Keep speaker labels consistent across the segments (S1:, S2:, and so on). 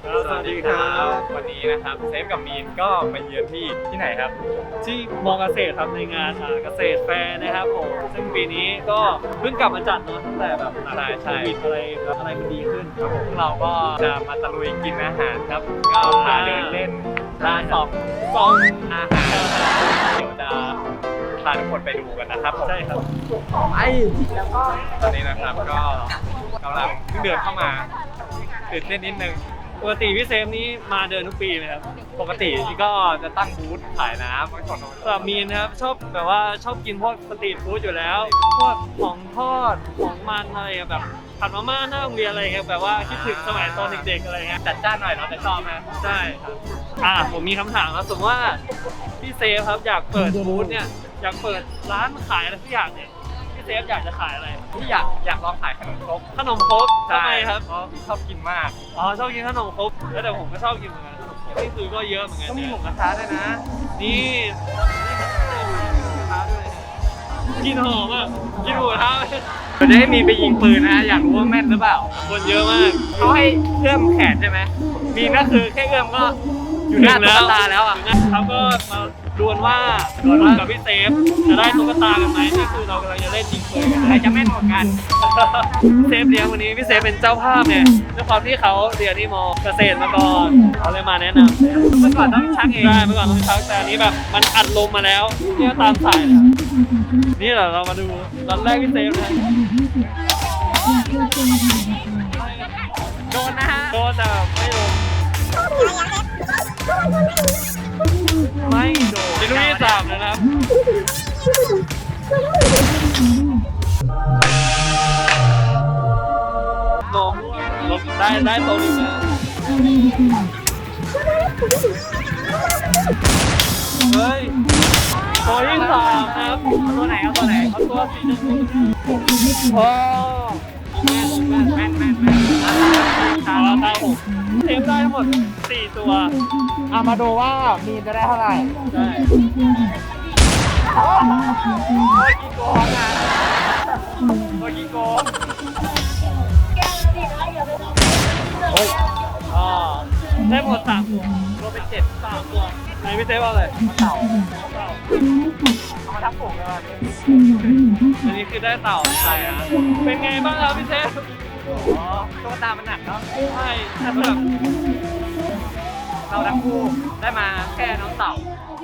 S1: สวัสดีครับวันนี้นะครับเซฟกับมีนก็มาเยือนที่ไหนครับ
S2: ที่มอเกษตรครับในงานเกษตรแฟร์นะครับผมซึ่งปีนี้ก็เพิ่งกลับมาจัดเนาะตั้งแต่แบบโควิดอะไรมันดีขึ้น
S1: ครับผมเราก็จะมาตะลุยกินอาหารครับก็พาเดินเล่นร้านซองอาหารเดี๋ยวจะพาทุกคนไปดูกันนะครับ
S2: ใช่ครับ
S1: แล้วก็ตอนนี้นะครับก็กำลังเดินเข้ามาตื่นเต้นนิดนึง
S2: ปกติพี่เซฟนี่มาเดินทุกปีไหมครับ
S1: ปกติก็จะตั้งบูธขายน้ำไว้ก่อน
S2: สำหรับมีนนะครับชอบแบบว่าชอบกินพวกสตรีทฟู้ดอยู่แล้วพวกของทอดของมันอะไรแบบผัดมาม่าหน้าโรงเรียนอะไรครับแบบว่าคิดถึงสมัยตอนเด็กๆอะไรเงี้ย
S1: จัดจ้านหน่อยเนาะแต่ชอบนะ
S2: ใช่ครับผมมีคำถามครับสมมติว่าพี่เซฟครับอยากเปิดบูธเนี่ยอยากเปิดร้านขายอะไรสักอย่างเนี่ยพี่เซฟอยากจะขายอะไร
S1: ที่อยากลองขายขนมครก
S2: ทำไมครับ
S1: เพราะชอบกินมาก
S2: ชอบกินขนมครกแล้วแต่ผมก็ชอบกินเหมือนกันนี่คือก็เยอะเหมือนกัน
S1: ก็มีหมูกระทะด้วยนะ
S2: นี่กินหอมอ่ะกินหมูกระทะ
S1: เราจะให้มีไปยิงปืนนะอยากรู้ว่าแม่นหรือเปล่า
S2: คนเยอะมาก
S1: เขาให้เอื้อมแขนใช่ไหมมีก็คือแค่เอื้อมก็อยู่หน้าตุ๊กตาแล้วอ่ะ
S2: เขาก็มาดวลว่ากับพี่เซฟจะได้ตุ๊กตากันไหมนี่คือเรากำลังจะเล่นยิงปืน
S1: ใครจะแม่นกว่ากัน
S2: เซฟเลี้ยงวันนี้พี่เซฟเป็นเจ้าภาพเนี่ยด้วยความที่เขาเรียนที่มอเกษตรมาก่อนเขาเลยมาแนะนำ
S1: เมื่อก่อนต้องชักเอง
S2: ใช่เมื่อก่อนต้องชักแต่อันนี้แบบมันอัดลมมาแล้วเนี่ยตามสายเลยนี่แหละเรามาดูตอนแรกพี่เซฟนะ
S1: โดนนะฮะ
S2: โดนแต่ไม่โดนไม่โดนเป็นลูกที่3นะครับลงได้ตัวนึงนะเฮ้ยตัวที่3ครับ
S1: ตัวไหนเอาตัวไหน
S2: เอาตัวสีชมพูโอ้แม่นตาผมเทปได้ทั้งหมด4ตัว
S1: มาดูว่ามีจะได้เท่าไหร่
S2: ได้กี่โกงนะกี่โกงได้หมด3ตัวรวมเป็น3ตัวไหนพี่เซฟเอาเลย
S1: เต่าเอามาทับผมเลย
S2: อันนี้คือได้เต่าใช่ฮะเป็นไงบ้างครับพี่เซฟ
S1: ตุ๊กตามันหนักเนาะ
S2: ใช่แต่แบบ
S1: เราทั้งคู่ได้มาแค่น้องเต่า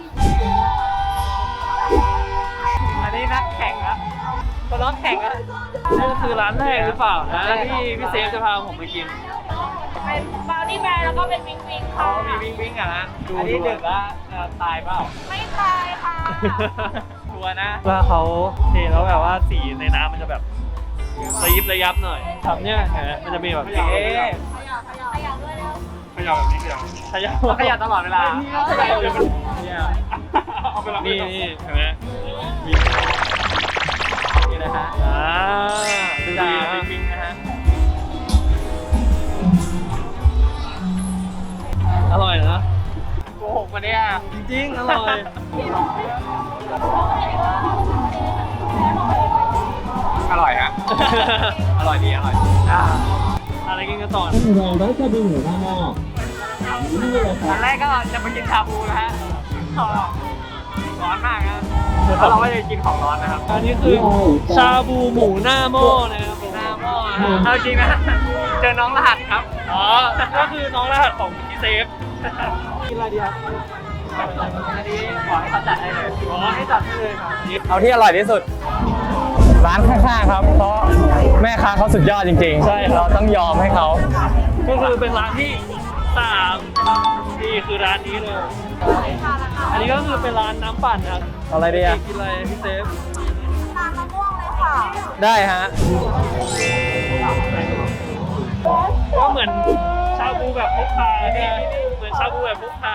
S1: อันนี้นักแข่งครับตัวน้องแข่งครับ
S2: นี่ก็คือร้านแรกหรือเปล่านะที่พี่เซฟจะพาผมไปกิน
S3: เป็นบราวนี่แบร์แล้วก็เป็นวิงวิงค่ะ
S1: มีวิงอ่ะนะอันนี้ดึกแล้วตายเปล่า
S3: ไม่ตายค่ะ
S1: ชัวร์นะ
S2: ว่าเขาเทแล้วแบบว่าสีในน้ำมันจะแบบระยับหน่อยทำเนี่ยมันจะมีแบบ
S1: ขยับด้วยแล้วขยับตลอดเวลา
S2: นี่เห็นไหม
S1: นี่นะฮะ
S2: ดูดี
S1: วิงนะฮะ
S2: อร่อยนะ
S1: โกหกมาเนี่ย
S2: จริงๆอร่อย
S1: อร่อยฮะอร่อยดี
S2: อะไรกินกันต่อ
S4: เราจะดูหมูหน้าหม้อ
S1: อันแรกก็จะไปกินชาบูนะฮะร้อนมากครับแล้วเราก็จะกินของร้อนนะครับ
S2: อันนี้คือชาบูหมูหน้าหม้อนะครับ
S1: หน้าหม้อเอาจริงนะเจอน้องรหัสครับ
S2: ก็คือน้องรหัสของพี่เซฟกินอะไรดีครับ
S1: อันนี้ขอให้เขาจัดให้เลย
S2: ให้จัดให้เลยครับ
S1: เอาที่อร่อยที่สุดร้านข้างๆครับเพราะแม่ค้าเขาสุดยอดจริงๆ
S2: ใช่
S1: เราต้องยอมให้เขา
S2: ก็คือเป็นร้านที่3นี่คือร้านนี้เลยอันนี้ก็คือเป็นร้านน้ำปั่นครับ
S1: อะไรดีอ่ะ
S2: กินอะไรพี่เซฟ
S3: น้ำมะม่วงเลยค่ะ
S1: ได้ฮะ
S2: ก็เหมือนชาบูแบบพกพาเนี่ยเหมือนชาบูแบบพกพา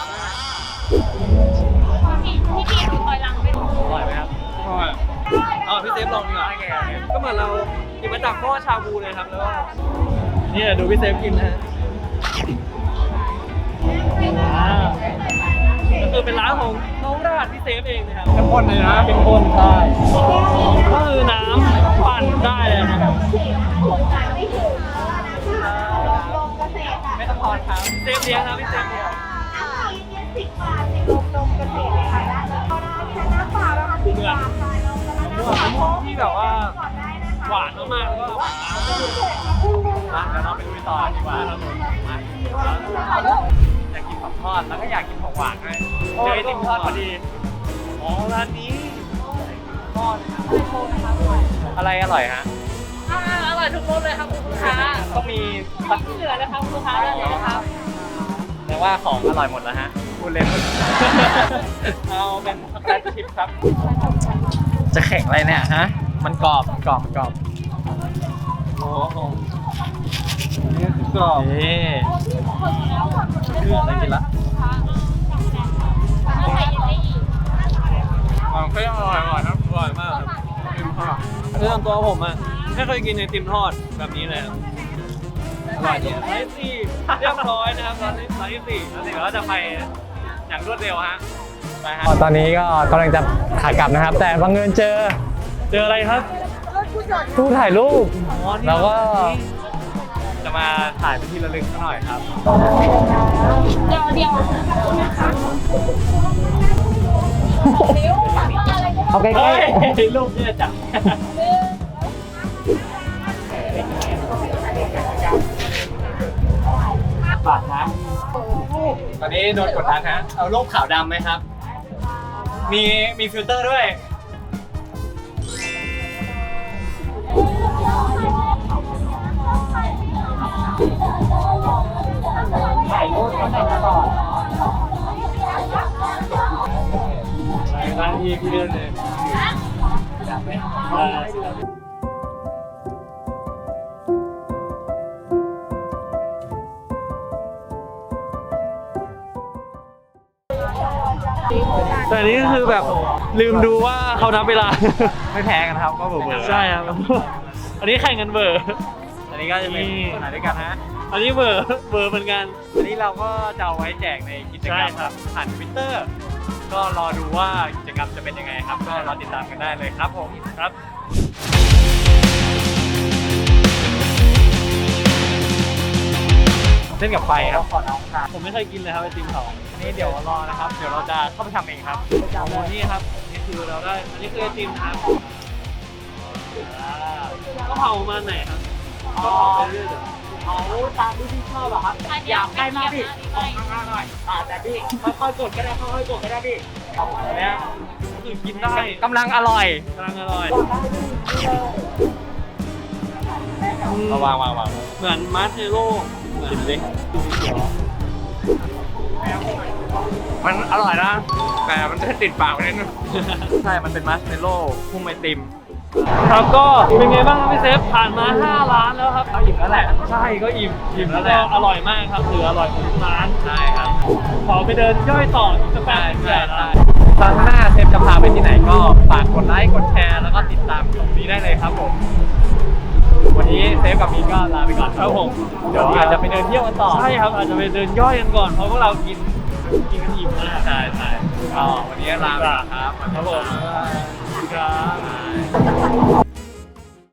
S3: พี่ถอยหลังไปดู
S2: อร่อยไหมครับอร่อยพี่เซฟลองดีกว่าก็เหมือนเราหยิบมาจากหม้อชาบูเลยครับแล้วก็นี่ดูพี่เซฟกินนะก็คือเป็นร้านของน้องรหัสพี่เซฟเองนะครับ
S1: เข้มข้นเลยนะ
S2: เข้มข้นใช่ก็คือน้ำปั่นได้เลยนะครับ
S1: ไม่ต้องถออดครับ
S2: เซฟเลี้ยงนะพี่เซฟเลี้ยง
S3: 10 บาทในโรงนมเกษตรเลยค่ะได้เลยก็ได้ค่ะน้ำเปล่านะคะ10 บาทค่ะเราจะมานั่ง
S2: มะม่วงที่แบบว่า
S3: ก่อนได้นะคะ
S2: หวานมากๆแล้วก็
S1: มาเดี๋ยวเราไปดูต่อดีกว่าครับผมมาอยากกินของทอดแล้วก็อยากกินของหวานด้วยเจอไอติมทอดพอดี
S2: อ๋อร้านนี้
S1: อะไรอร่อยฮะ
S3: อร่อยทุกรสเลยครับคุณลูกค้า
S1: ต้องมี
S3: ไม่ที่เหลือนะครับคุณลูกค้าได้เลยนะครับ
S1: แต่ว่าของอร่อยหมดแล้วฮะพูดเล่น
S2: เอาเป็นช็อกโกแลตชิพครับ
S1: จะแข็งอะไรเนี่ยฮะมันกรอบกรอบกรอบ
S2: โอ้โหนี่คือกรอบ
S1: นี่เรื่องอะไรกินละของก็ยังอร่อยนะอร่อยมากครับกินข้าว
S2: เรื่องตัวผมอ่ะไม่เคยกินไอติมทอดแบบนี้เลยครับ
S1: อร่อยดี
S2: ร้านที่สี่เรียบร้อยนะครับร้านที่สี่
S1: แล้วเดี๋ยวเราจะไปอย่างรวดเร็วฮะไปฮะตอนนี้ก็กำลังจะขากลับนะครับ แต่บังเอิญเจอ
S2: เจออะไรครับ
S1: ตู้ถ่ายรูป
S2: อ๋อนี่
S1: เราก็จะมาถ่ายเป็นที่ระลึกสักหน่อยครับ
S3: เดี๋ยว
S1: เอาใกล้
S2: เฮ้ยรูปเนี่ยจัง
S1: ๆปากนะตอนนี้โดนกดดันฮะเอารูปขาวดำไหมครับ มีฟิลเตอร์ด้วย ถ่ายรูปกันตลอด
S2: ร้านที่พี่เดินเลย แต่อันนี้ก็คือแบบลืมดูว่าเขานับเวลา
S1: ไม่แพ้กันครับก็เบอร์
S2: ใช่ครับ อันนี้แข่งกันเบอร์
S1: อันนี้ก็จะเป็นถ่ายด้วยกันฮะ
S2: อันนี้เบอร์เหมือนกัน
S1: อันนี้เราก็จะเอาไว้แจกในกิจกรรม
S2: ใช่ครับ
S1: ผ่าน Twitter ก็รอดูว่ากิจกรรมจะเป็นยังไงครับ ก็รอติดตามกันได้เลยครับผมครับ เล่นกับไฟครับ
S2: ผมไม่เคยกินเลยครับไอติมเขา
S1: อันนี้เดี๋ยวรอนะครับ เดี๋ยวเราจะเข้าไปทำเองครับ
S2: โอ้นี่ครับนี่คือเราได้ อันนี้คือไอติมนะครับก็เผาประมาณไหนครับก็เผาไปเรื่อย
S4: เอาตามที่พี่ชอบอะครับ อยากให้มากพี่ข้างๆหน่อยแต่พี่ค่อยๆกดก็ได้ค่อยๆกดก็ได้พี่
S2: ๆเนี่ยคือกินได้
S1: กำลังอร่อย
S2: กำลังอร่อย
S1: วาง
S2: เหมือนมาร์เชโล่
S1: ชิมดิมันอร่อยนะ แต่มันจะติดปากไปนิดนึง ใช่ มันเป็นมัสเมลโล่พุ่มไอติม
S2: ครับก็เป็นไงบ้างครับพี่เซฟผ่านมา5ร้านแล้วครับ
S1: เราอิ่มแล้วแหละ
S2: ใช่ก็อิ่ม
S1: อิ่มแล้วแห
S2: ก็
S1: ละ
S2: อร่อยมากครับถืออร่อยของทุกร้าน
S1: ใช่ครับ
S2: ขอไปเดินย่อยต่ออีกสักแป๊บ
S1: ใช่
S2: นึง
S1: ใช่
S2: นะ
S1: ครั้งหน้าเซฟจะพาไปที่ไหนก็ฝากกดไลค์ กดแชร์ แล้วก็ติดตามตรงนี้ได้เลยครับผม วันนี้เซฟกับมีนก็ลาไปก่อนครับผม เดี๋ยวอาจจะไปเดินเที่ยวกันต่อ
S2: ใช่ครับอาจจะไปเดินย่อยกันก่อนเพราะพวกเรากินกันอิ่มมาก
S1: ใช่ก็วันนี้ลาไปก่อนครับ
S2: ครับผมสวัสดีครับ